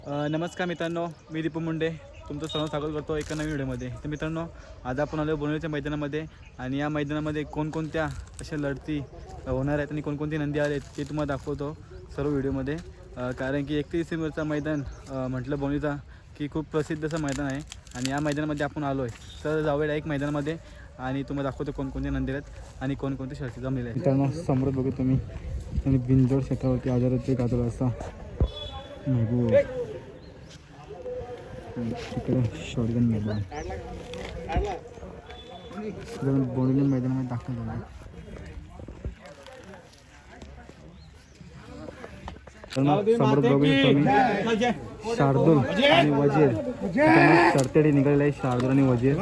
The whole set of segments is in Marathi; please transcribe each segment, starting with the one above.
नमस्कार मित्रांनो, मी दीपू मुंडे तुमचं सर्व स्वागत करतो एका नवीन व्हिडिओमध्ये. तर मित्रांनो, आज आपण आलो बोनवलीच्या मैदानामध्ये आणि या मैदानामध्ये कोणकोणत्या अशा लढती होणार आहेत आणि कोणकोणती नंदी आले आहेत ते तुम्हाला दाखवतो सर्व व्हिडिओमध्ये. कारण की 31 डिसेंबरचा मैदान म्हटलं बोनवलीचा की खूप प्रसिद्ध असं मैदान आहे आणि या मैदानामध्ये आपण आलो आहे. तर जाऊया एक मैदानामध्ये आणि तुम्हाला दाखवतो कोणकोणते नंदी आहेत आणि कोणकोणते शर्ती जमलेले आहेत. मित्रांनो, समोर बघू तुम्ही आणि बिनजोड क्षेत्रावरती आजाराचे गाजर असा महबूब तिकडे शॉटगन मैदान बोनवली मैदानामध्ये दाखल झालं. समोर बघू तुम्ही शार्दूल आणि वजीर सरतेडी निघालेले आहे. शार्दूल आणि वजीर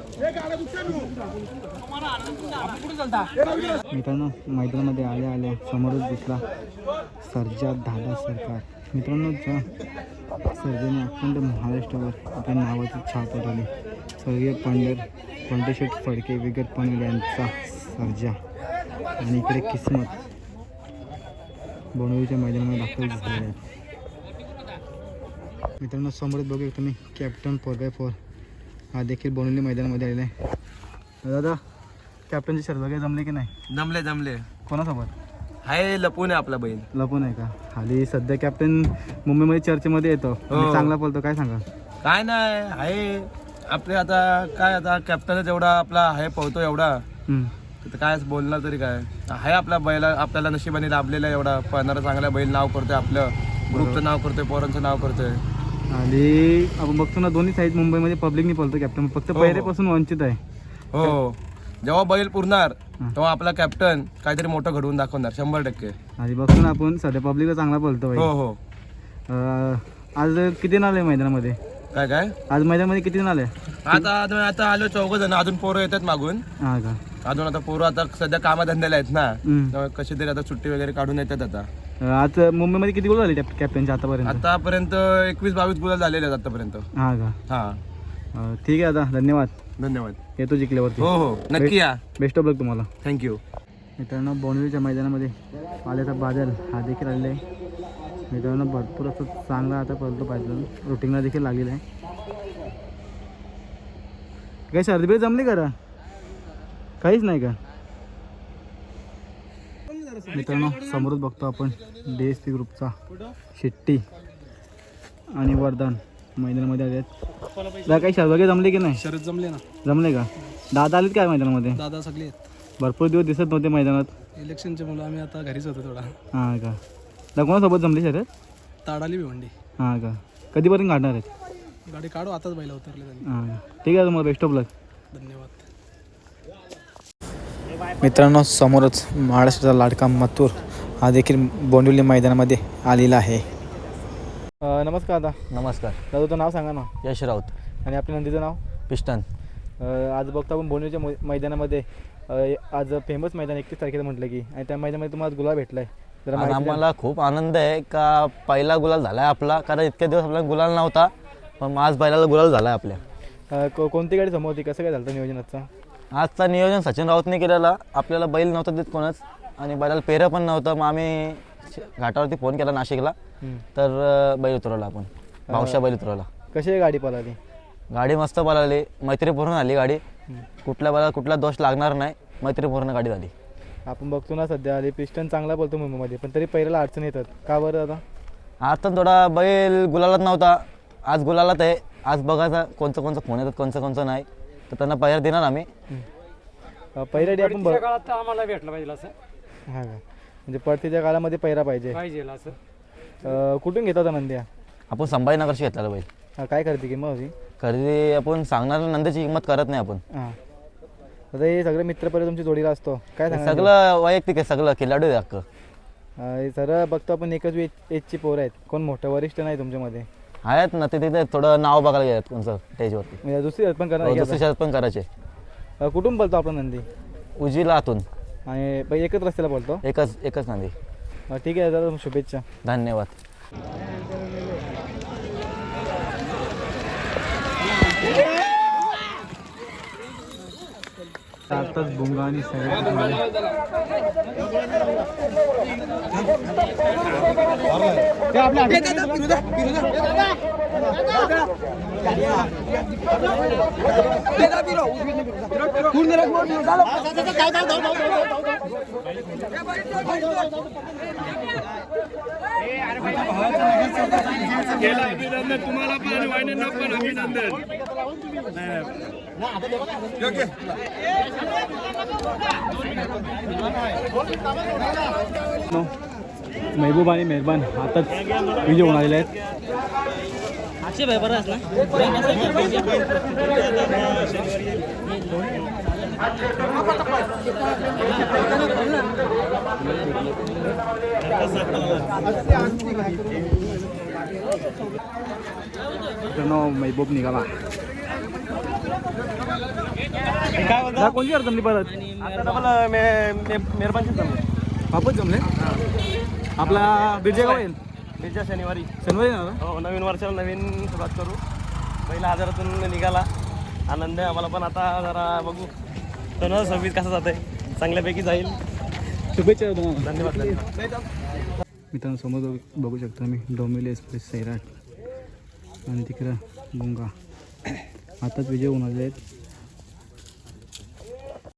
मित्रांनो, मैदानामध्ये आल्या आल्या समोरच दिसला सर्जा दादा सरकार. मित्रांनो, ज्या सर्जेने अखंड महाराष्ट्रावर आपल्या नावाची छाप उडवली, स्वर्गीय पंडितशेठ फडके विगत पनवेल यांचा सर्जा आणि इकडे किस्मत बोनवलीच्या मैदानामध्ये दाखल झाले आहेत. मित्रांनो, समोरच बघू तुम्ही कॅप्टन 4x4 हा देखील बोनवली मैदानामध्ये आलेला आहे. दादा, कॅप्टनची शर्यत वगैरे जमले की नाही? जमले. कोणासोबत हाय लपून आहे आपला बैल. लपून आहे का? खाली सध्या कॅप्टन मुंबईमध्ये चर्चेमध्ये येतो आणि चांगला बोलतो, काय सांगा? काय नाही आहे आपले आता काय आता कॅप्टन जेवढा आपला आहे पळतो एवढा तर काय बोलणार तरी काय आहे. आपला बैला आपल्याला नशिबाने लाभलेला एवढा पळणारा चांगला बैल नाव करतोय, आपलं ग्रुपचं नाव करतोय, पोरांचं नाव करतोय. आणि आपण बघतो ना दोन्ही साईड मुंबईमध्ये पब्लिकनी बोलतो कॅप्टन, फक्त पहिल्यापासून वंचित आहे. हो, जेव्हा बैल पुरणार तेव्हा आपला कॅप्टन काहीतरी मोठं घडवून दाखवणार 100%. आणि बघतो ना आपण सध्या पब्लिकला चांगला बोलतो. हो. आज किती जण आले मैदानामध्ये? काय आज मैदानामध्ये किती जण आले? आता आलो 4 जण. अजून पोरं येतात मागून. हा का? अजून आता पोरं आता सध्या कामाधंद्याला आहेत ना, कशी तरी आता सुट्टी वगैरे काढून येतात. आता आज मुंबईमध्ये किती गोल झाले कॅप्टनचे आतापर्यंत? 21-22 गुलाल झालेले आहेत आतापर्यंत. हा का? हा, ठीक आहे दादा, धन्यवाद. येतो जिंकल्यावरती. हो, नक्की या. बेस्ट ऑफ लक तुम्हाला. थँक्यू. मित्रांनो, बोनवलीच्या मैदानामध्ये आल्याचा बादल हा देखील आलेला आहे. मित्रांनो, भरपूर असं चांगला आता पळतो पाहिजे, रुटीनला देखील लागलेला आहे. काही सर्दी जमली करा? काहीच नाही का? मित्रांनो, समोरच बघतो आपण DSP ग्रुपचा शेट्टी आणि वरदान मैदानामध्ये आले आहेत. काही शर्यत वगैरे जमले की नाही? शरद जमले ना. जमले का? दादा आलेत काय मैदानामध्ये? दादा सगळे आहेत. भरपूर दिवस दिसत नव्हते मैदानात. इलेक्शनचे मुलं आम्ही आता घरीच होतो थोडा. हां का? दादा कोणासोबत जमली शर्यत? ताडाली भिवंडी. हां का? कधीपर्यंत काढणार आहेत? गाडी काढू, आताच बैला उतरले त्यांनी. हां, ठीक आहे, तुम्हाला बेस्ट ऑफ लक. धन्यवाद. मित्रांनो, समोरच महाराष्ट्राचा लाडका मथुर हा देखील बोनवली मैदानामध्ये आलेला आहे. नमस्कार दादा. नमस्कार. दादा, तुझं नाव सांगा ना. यश राऊत. आणि आपल्या नंदीचं नाव? पिस्टन. आज बघतो आपण बोनवलीच्या मैदानामध्ये आज फेमस मैदान 31 तारखेला म्हटलं की, आणि त्या मैदानामध्ये तुम्हाला गुलाल भेटला आहे. आज आम्हाला खूप आनंद आहे का पहिला गुलाल झाला आहे आपला, कारण इतक्या दिवस आपल्याला गुलाल नव्हता, पण आज बैलाला गुलाल झाला आहे आपल्या. कोणती गाडी समोर होती? कसं काय झालं नियोजनाचं? आजचा नियोजन सचिन राऊतने केलेला. आपल्याला बैल नव्हता देत कोणच आणि बैलाला पेरं पण नव्हतं. मग आम्ही घाटावरती फोन केला नाशिकला, तर बैल उतरवला आपण, भावशा बैल उतरवला. कशी गाडी पळाली? गाडी मस्त पळाली, मैत्रीपूर्ण आली गाडी. कुठल्या बैलाला कुठला दोष लागणार नाही, मैत्रीपूर्ण गाडी झाली. आपण बघतो ना सध्या आली पिस्टन चांगला बोलतो मुंबईमध्ये, पण तरी पहिल्याला अडचण येतात का बरं दादा? आज तर थोडा बैल गुलालात नव्हता, आज गुलालात आहे. आज बघायचा कोणचं फोन येतात, कोणचं नाही, तर त्यांना पहिला देणार आम्ही. पहिल्या डे आपण काळात आम्हाला भेटलं पाहिजे असं. हां का? म्हणजे परतीच्या काळामध्ये पहिरा पाहिजे असं. कुठून घेता होता नंद्या? आपण संभाजीनगरशी घेतलेला बैल. काय करते किंमत होती? खरेदी आपण सांगणार नंदीची किंमत करत नाही आपण. हां, आता हे सगळे मित्रपरिवार तुमची जोडीला असतो, काय सांगा? सगळं वैयक्तिक आहे, सगळं खिलाडू आहे अख्खं. सर बघतो आपण एकच एजची पोरं आहेत, कोण मोठं वरिष्ठ नाही तुमच्यामध्ये? आहेत ना, ते तिथे थोडं नाव बघायला गेलं कोणचं स्टेजवरती. म्हणजे दुसरी शर्यत पण करणार? दुसरी शर्यत पण करायचे. कुठून बोलतो आपला नंदी? उजवीला आतून. आणि एकच रस्त्याला बोलतो? एकच नंदी. ठीक आहे दादा, शुभेच्छा. धन्यवाद. आताच भोंगा आणि सैराट दिसून आले. तुम्हाला पण आणि वाहिन्यांना पण अभिनंदन. महबूब आणि मेहरबान आताच विजय होऊन आलेले आहेत. मित्रांनो महबूब निघाला. काय कोणती अडचण परत वापस जमले. आपला बिरजे गाव येईल पुढच्या शनिवारी शनिवारी ना. हो, नवीन वर्षाला नवीन सुरुवात करू. पहिला हजारातून निघाला आनंद आहे आम्हाला, पण आता जरा बघू 2026 कसं जात आहे. चांगल्यापैकी जाईल. शुभेच्छा तुम्हाला. धन्यवाद. मित्रांनो समोर बघू शकता मी डोंबिवली एक्सप्रेस सैराट आणि तिकडं भोंगा आताच विजय होऊन आले आहेत.